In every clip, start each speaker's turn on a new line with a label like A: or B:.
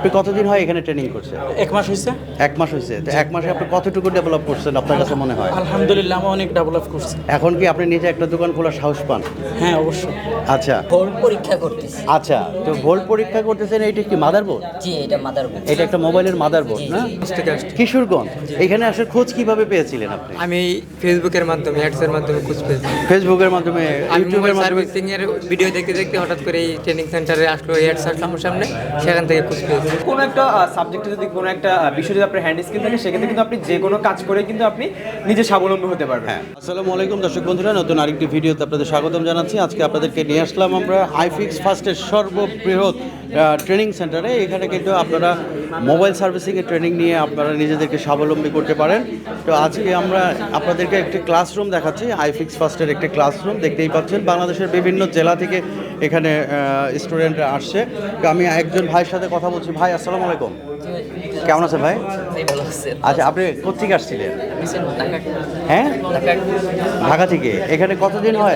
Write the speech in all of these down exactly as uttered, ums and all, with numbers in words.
A: আপনি কতদিন হয় এখানে ট্রেনিং করছেন?
B: এক মাস হয়েছে।
A: এক মাস হয়েছে। তো এক মাসে আপনি কতটুকু ডেভেলপ করছেন আপনার কাছে মনে হয়?
B: আলহামদুলিল্লাহ আমি অনেক ডেভেলপ করছি।
A: এখন কি আপনি নিজে একটা দোকান খোলার সাহস পান?
B: হ্যাঁ অবশ্যই।
A: আচ্ছা
C: ভোল্ট পরীক্ষা করতেছি।
A: আচ্ছা, তো ভোল্ট পরীক্ষা করতেছেন, এইটা কি মাদারবোর্ড?
C: জি, এটা মাদারবোর্ড।
A: এটা একটা মোবাইলের মাদারবোর্ড না? কিশোরগঞ্জ। এখানে আসার খোঁজ কিভাবে পেয়েছিলেন আপনি?
D: আমি ফেসবুকের মাধ্যমে অ্যাডসের মাধ্যমে খোঁজ পেয়েছি।
A: ফেসবুকের মাধ্যমে,
D: আমি
A: ইউটিউবের
D: মোবাইল
A: মাধ্যমে?
D: সার্ভিসিং এর ভিডিও দেখতে দেখতে হঠাৎ করে এই ট্রেনিং সেন্টারে আসলো, অ্যাডস আসলো আমার সামনে, সেখান থেকে খোঁজ পেয়েছি।
E: কোনো একটা সাবজেক্টে যদি কোনো একটা বিষয় যদি আপনার হ্যান্ড স্কিল থাকে, সেক্ষেত্রে কিন্তু আপনি যে কোনো কাজ করে কিন্তু আপনি নিজে স্বাবলম্বী হতে পারবেন।
A: হ্যাঁ, আসসালামু আলাইকুম দর্শক বন্ধুরা, নতুন আরেকটি ভিডিওতে আপনাদের স্বাগতম জানাচ্ছি। আজকে আপনাদেরকে নিয়ে আসলাম আমরা আইফিক্স ফার্স্টের সর্ববৃহৎ ট্রেনিং সেন্টারে। এখানে কিন্তু আপনারা মোবাইল সার্ভিসিংয়ের ট্রেনিং নিয়ে আপনারা নিজেদেরকে স্বাবলম্বী করতে পারেন। তো আজকে আমরা আপনাদেরকে একটি ক্লাসরুম দেখাচ্ছি, আইফিক্স ফার্স্টের একটি ক্লাসরুম দেখতেই পাচ্ছেন। বাংলাদেশের বিভিন্ন জেলা থেকে এখানে স্টুডেন্টরা আসছে। তো আমি একজন ভাইয়ের সাথে কথা বলছি। ভাই আসসালামু আলাইকুম, কেমন আছেন ভাই? আচ্ছা, আপনি কোথেকে আসছিলেন? হ্যাঁ, ঢাকা থেকে। এখানে কতদিন হয়?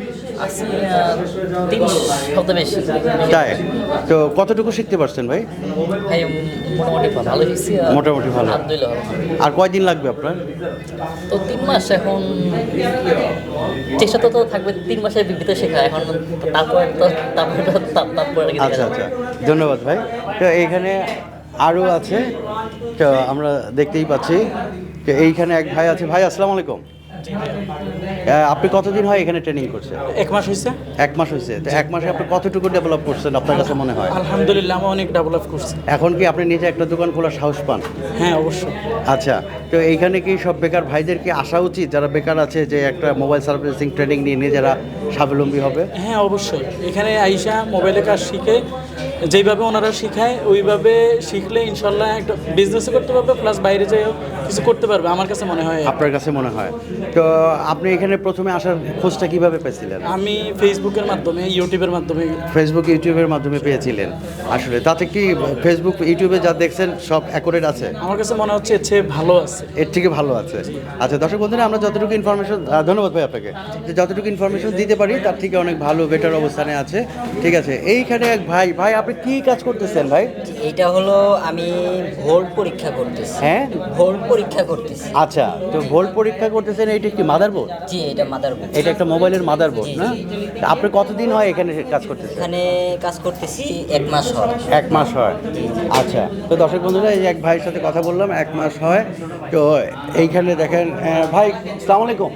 C: তিন সপ্তাহ বেশি।
A: তাই? তো কতটুকু শিখতে পারছেন ভাই?
C: ভাই মোটামুটি ভালো শিখছি।
A: মোটামুটি ভালো।
C: আলহামদুলিল্লাহ।
A: আর কয়দিন লাগবে আপনার?
C: তো তিন মাস এখন চেষ্টা তো তো থাকবে তিন মাসের ভিতরে শেখা। এখন তারপরে তো তারপরে তো তার- তারপরে আর কি দেখা
A: আচ্ছা
C: যাবে।
A: আচ্ছা, ধন্যবাদ ভাই। তো এইখানে আরও আছে, তো আমরা দেখতেই পাচ্ছি। তো এইখানে এক ভাই আছে। ভাই আসসালামু আলাইকুম, আহ, আপনি কতদিন হয় এখানে ট্রেনিং করছেন?
B: এক মাস হয়েছে।
A: এক মাস হয়েছে। তো এক মাসে আপনি কতটুকু ডেভেলপ করছেন আপনার কাছে মনে হয়?
B: আলহামদুলিল্লাহ আমি অনেক ডেভেলপ করছি।
A: এখন কি আপনি নিজে একটা দোকান খোলার সাহস পান?
B: হ্যাঁ অবশ্যই।
A: আচ্ছা, তো এইখানে কি সব বেকার ভাইদের কি আসা উচিত, যারা বেকার আছে, যে একটা মোবাইল সার্ভিসিং ট্রেনিং নিয়ে নিজেরা স্বাবলম্বী হবে?
B: হ্যাঁ অবশ্যই। এখানে আইসা মোবাইলের কাজ শিখে যেইভাবে ওনারা শিখায় ওইভাবে শিখলে ইনশাল্লাহ একটা বিজনেসও করতে পারবে, প্লাস বাইরে যেয়েও কিছু করতে পারবে আমার কাছে মনে হয়।
A: আপনার কাছে মনে হয়? তো আপনি এখানে প্রথমে আসার খোঁজটা কিভাবে পেয়েছিলেন?
B: আমি ফেসবুকের মাধ্যমে, ইউটিউবের মাধ্যমে।
A: ফেসবুক ইউটিউবের মাধ্যমে পেয়েছিলেন। আসলে তাতে কি ফেসবুক ইউটিউবে যা দেখছেন সব অ্যাকুরেট আছে?
B: আমার কাছে মনে হচ্ছে এর চেয়ে ভালো আছে।
A: এর থেকে ভালো আছে। আচ্ছা দর্শক বন্ধুরা, আমরা যতটুকু ইনফরমেশন, ধন্যবাদ ভাই আপনাকে, যে যতটুকু ইনফরমেশন দিতে পারি তার থেকে অনেক ভালো বেটার অবস্থানে আছে। ঠিক আছে, এইখানে এক ভাই, ভাই আপনি কি কাজ করতেছেন ভাই?
C: এটা হলো আমি ভোল্ট পরীক্ষা করতেছি।
A: হ্যাঁ,
C: ভোল্ট পরীক্ষা করতেছি।
A: আচ্ছা, তো ভোল্ট পরীক্ষা করতেছেন, এইটা কি মাদারবোর্ড?
C: জি, এটা মাদারবোর্ড।
A: এটা একটা মোবাইলের মাদারবোর্ড
C: জি,
A: না?
C: জি।
A: তা আপনি কতদিন হয় এখানে কাজ করতেছেন?
C: এখানে কাজ করতেছি এক মাস হয়।
A: এক মাস হয়। আচ্ছা, তো দর্শক বন্ধুরা, এই এক ভাইয়ের সাথে কথা বললাম, এক মাস হয়। তো এইখানে দেখেন, আহ, ভাই আসসালামু আলাইকুম,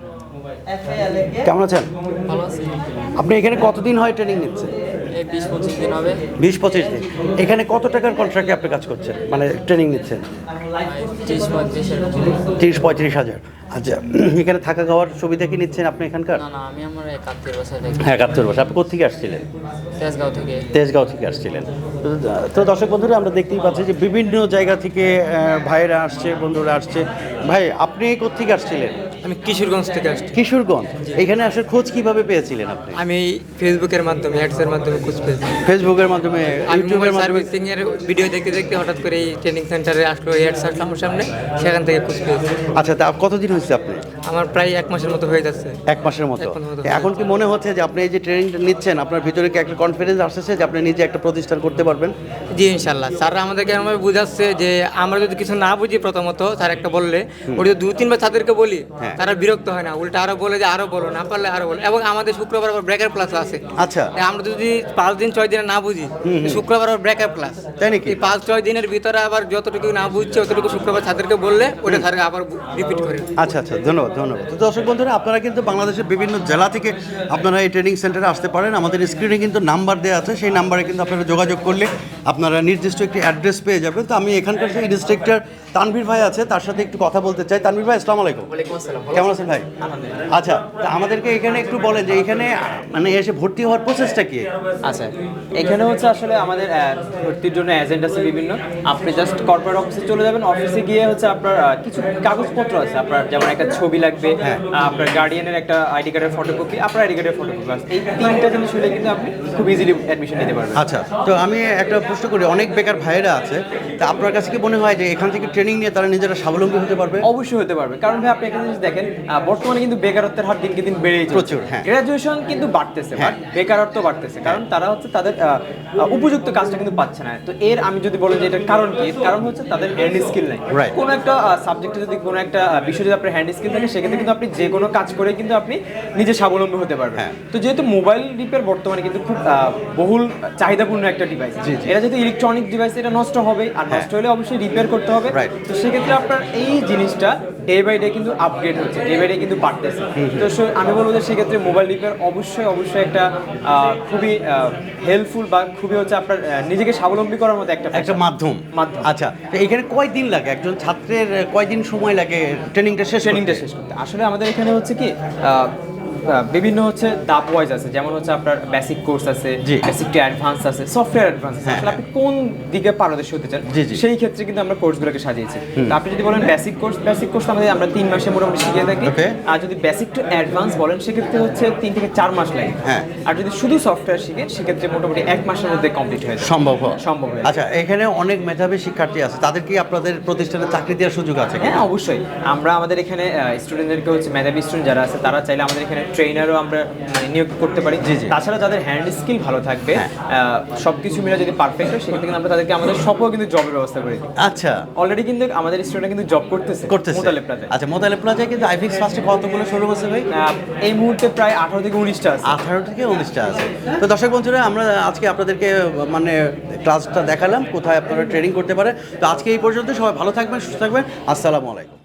A: কেমন আছেন?
D: ভালো আছে।
A: আপনি এখানে কতদিন হয় ট্রেনিং নিচ্ছেন?
D: এই বিশ পঁচিশ দিন হবে।
A: বিশ পঁচিশ দিন। এখানে কত টাকার কন্ট্রাক্টে আপনি কাজ করছেন, মানে ট্রেনিং নিচ্ছেন?
D: ত্রিশ পঁয়ত্রিশ এরকম।
A: তিরিশ পঁয়ত্রিশ হাজার। আচ্ছা, এখানে থাকা খাওয়ার সুবিধা কি নিচ্ছেন আপনি এখানকার?
D: না না, আমি আমার একাত্তর বছর
A: হ্যাঁ, একাত্তর বছর। আপনি কোথেকে আসছিলেন?
D: তেজগাঁও থেকে।
A: তেজগাঁও থেকে আসছিলেন। তো- তো দর্শক বন্ধুরা, আমরা দেখতেই পাচ্ছি যে বিভিন্ন জায়গা থেকে আহ, ভাইয়েরা আসছে, বন্ধুরা আসছে। ভাই আপনি কোথেকে আসছিলেন?
D: আমি কিশোরগঞ্জ থেকে আসছি।
A: কিশোরগঞ্জ। এখানে আসার খোঁজ কিভাবে পেয়েছিলেন আপনি?
D: আমি ফেসবুকের মাধ্যমে অ্যাডসের মাধ্যমে খোঁজ পেয়েছি।
A: ফেসবুকের মাধ্যমে,
D: আমি
A: ইউটিউবের
D: মোবাইল
A: মাধ্যমে?
D: সার্ভিসিং এর ভিডিও দেখতে দেখতে হঠাৎ করে এই ট্রেনিং সেন্টারে আসলো, অ্যাডস আসলো আমার সামনে, সেখান থেকে খোঁজ পেয়েছি।
A: আচ্ছা, তা কতদিন হয়েছে আপনি?
D: আমার প্রায় এক মাসের মতো হয়ে যাচ্ছে।
A: এক মাসের মতো।
D: এক মাসের মতো।
A: এখন কি মনে হচ্ছে যে আপনি এই যে ট্রেনিংটা নিচ্ছেন, আপনার ভিতরে কি একটা কনফিডেন্স আসছে যে আপনি নিজে একটা প্রতিষ্ঠান করতে পারবেন?
D: জি ইনশাল্লাহ। স্যাররা আমাদেরকে এমনভাবে বুঝাচ্ছে যে আমরা যদি কিছু না বুঝি, প্রথমত স্যার একটা বললে ওটা যদি দু তিনবার তাদেরকে বলি,
A: হ্যাঁ।
D: তারা বিরক্ত হয় না, উল্টা আরো বলে যে আরো বলো, না পারলে আরো বলো। এবং আমাদের শুক্রবার আবার ব্রেকার ক্লাস আছে।
A: আচ্ছা,
D: তাই আমরা যদি পাঁচ দিন ছয় দিনে না বুঝি, শুক্রবার আবার ব্রেকার ক্লাস।
A: তাই নাকি?
D: এই পাঁচ ছয় দিনের ভিতরে আবার যতটুকু না বুঝছে অতটুকু শুক্রবার তাদেরকে বললে ওটা স্যারকে আবার রিপিট করে।
A: আচ্ছা আচ্ছা, ধন্যবাদ ধন্যবাদ। তো দর্শক বন্ধুরা, আপনারা কিন্তু বাংলাদেশের বিভিন্ন জেলা থেকে আপনারা এই ট্রেনিং সেন্টারে আসতে পারেন। আমাদের স্ক্রিনে কিন্তু নাম্বার দেওয়া আছে, সেই নাম্বারে কিন্তু আপনারা যোগাযোগ করলে আপনারা নির্দিষ্ট একটি অ্যাড্রেস পেয়ে যাবেন। তো আমি এখানকার যে ইনস্ট্রাক্টর তানভীর ভাই আছে, তার সাথে একটু কথা বলতে চাই। তানভীর ভাই আসসালামু আলাইকুম। কেমন আছেন ভাই? আচ্ছা, তা আমাদেরকে এখানে একটু বলেন যে এখানে মানে এসে ভর্তি হওয়ার প্রসেসটা কি?
E: আচ্ছা, এখানে হচ্ছে আসলে আমাদের আহ, ভর্তির জন্য এজেন্ট আছে বিভিন্ন। আপনি জাস্ট কর্পোরেট অফিসে চলে যাবেন। অফিসে গিয়ে হচ্ছে আপনার আহ, কিছু কাগজপত্র আছে আপনার, যেমন একটা ছবি লাগবে,
A: হ্যাঁ।
E: আহ, আপনার গার্ডিয়ানের একটা আইডি কার্ডের ফটোকপি, আপনার আইডি কার্ডের ফটোকপি, এই তিনটা জিনিস হলে কিন্তু আপনি খুব ইজিলি অ্যাডমিশন নিতে পারবেন।
A: আচ্ছা, তো আমি একটা প্রশ্ন করি, অনেক বেকার ভাইয়েরা আছে, তা আপনার কাছে কি মনে হয় যে এখান থেকে ট্রেনিং নিয়ে তারা নিজেরা স্বাবলম্বী হতে পারবে?
E: অবশ্যই হতে পারবে, কারণ ভাই আপনি একটা জিনিস দেখেন, আহ, বর্তমানে কিন্তু বেকারত্বের হার দিনকে দিন বেড়েই চলছে।
A: প্রচুর, হ্যাঁ।
E: গ্রাজুয়েশন কিন্তু বাড়তেছে,
A: হ্যাঁ।
E: বাট বেকারত্ব বাড়তেছে, কারণ তারা হচ্ছে তাদের আহ, আহ, উপযুক্ত কাজটা কিন্তু পাচ্ছে না। তো এর আমি যদি বলি যে এটার কারণ কি, এর কারণ হচ্ছে তাদের হ্যান্ড স্কিল নাই।
A: Right.
E: কোনো একটা সাবজেক্টে যদি কোনো একটা আহ, বিষয়ে যদি আপনার হ্যান্ড স্কিল থাকে, সেক্ষেত্রে কিন্তু আপনি যে কোনো কাজ করে কিন্তু আপনি নিজে স্বাবলম্বী হতে পারবেন।
A: হ্যাঁ।
E: তো যেহেতু মোবাইল রিপেয়ার বর্তমানে কিন্তু খুব আহ, বহুল চাহিদাপূর্ণ একটা ডিভাইস,
A: জি, জি।
E: এটা যেহেতু ইলেকট্রনিক ডিভাইস, এটা নষ্ট হবে, আর
A: হ্যাঁ।
E: নষ্ট হলে অবশ্যই রিপেয়ার করতে হবে।
A: Right.
E: তো সেক্ষেত্রে আপনার এই জিনিসটা ডে বাই ডে কিন্তু আপগ্রেড হচ্ছে, ডে বাই ডে কিন্তু বাড়তেছে। তো সে- আমি বলবো যে সেক্ষেত্রে মোবাইল রিপেয়ার অবশ্যই অবশ্যই একটা আহ, খুবই হেল্পফুল বা খুবই হচ্ছে আপনার আহ, নিজেকে স্বাবলম্বী করার মতো একটা
A: একটা মাধ্যম।
E: মাধ্যম।
A: আচ্ছা, তো এখানে কয়দিন লাগে, একজন ছাত্রের কয়দিন সময় লাগে ট্রেনিংটা শেষ
E: ট্রেনিংটা
A: করতে?
E: শেষ করতে। আসলে আমাদের এখানে হচ্ছে কি আহ, আহ, বিভিন্ন হচ্ছে দাপ ওয়াইজ আছে, যেমন হচ্ছে আপনার বেসিক কোর্স আছে,
A: জি।
E: বেসিক টু অ্যাডভান্স আছে, সফটওয়্যার অ্যাডভান্স আছে।
A: হ্যাঁ,
E: আসলে আপনি কোন দিকে পারদর্শী হতে চান,
A: জি, জি।
E: সেই ক্ষেত্রে কিন্তু আমরা কোর্সগুলোকে সাজিয়েছি। তো আপনি যদি বলেন বেসিক কোর্স, বেসিক কোর্স আমাদের আমরা তিন মাসে মোটামুটি শিখিয়ে থাকি।
A: Okay.
E: আর যদি বেসিক টু অ্যাডভান্স বলেন, সেক্ষেত্রে হচ্ছে তিন থেকে চার মাস লাগে।
A: হ্যাঁ।
E: আর যদি শুধু সফটওয়্যার শিখেন, সেক্ষেত্রে মোটামুটি এক মাসের মধ্যে কমপ্লিট হয়ে যায়।
A: সম্ভব হয়?
E: সম্ভব হয়ে যায়।
A: আচ্ছা, এখানে অনেক মেধাবী শিক্ষার্থী আছে, তাদের কি আপনাদের প্রতিষ্ঠানে চাকরি দেওয়ার সুযোগ আছে কি?
E: হ্যাঁ, অবশ্যই। আমরা আমাদের এখানে স্টুডেন্টদেরকে হচ্ছে মেধাবী স্টুডেন্ট যারা আছে, তারা চাইলে আমাদের এখানে ট্রেনারও আমরা মানে নিয়োগ করতে পারি।
A: জি, জি।
E: তাছাড়া যাদের হ্যান্ড স্কিল ভালো থাকবে,
A: হ্যাঁ।
E: সব কিছু মিলে যদি পারফেক্ট হয়, সেক্ষেত্রে কিন্তু আমরা তাদেরকে আমাদের সবও কিন্তু জবের ব্যবস্থা করে দিই।
A: আচ্ছা,
E: অলরেডি কিন্তু আমাদের স্টুডেন্ট কিন্তু জব করতেছে
A: করতেছে।
E: মোতালেব প্লাজায়।
A: আচ্ছা, মোতালেব প্লাজায় কিন্তু আইফিক্স ফার্স্টে কতগুলো শোরুম আছে ভাই?
E: আহ, এই মুহূর্তে প্রায় আঠারো থেকে উনিশটা আছে।
A: আঠারো থেকে উনিশটা আছে। তো দর্শক বন্ধুরা, আমরা আজকে আপনাদেরকে মানে ক্লাসটা দেখালাম কোথায় আপনারা ট্রেনিং করতে পারে। তো আজকে এই পর্যন্ত, সবাই ভালো থাকবেন, সুস্থ থাকবেন, আসসালামু আলাইকুম।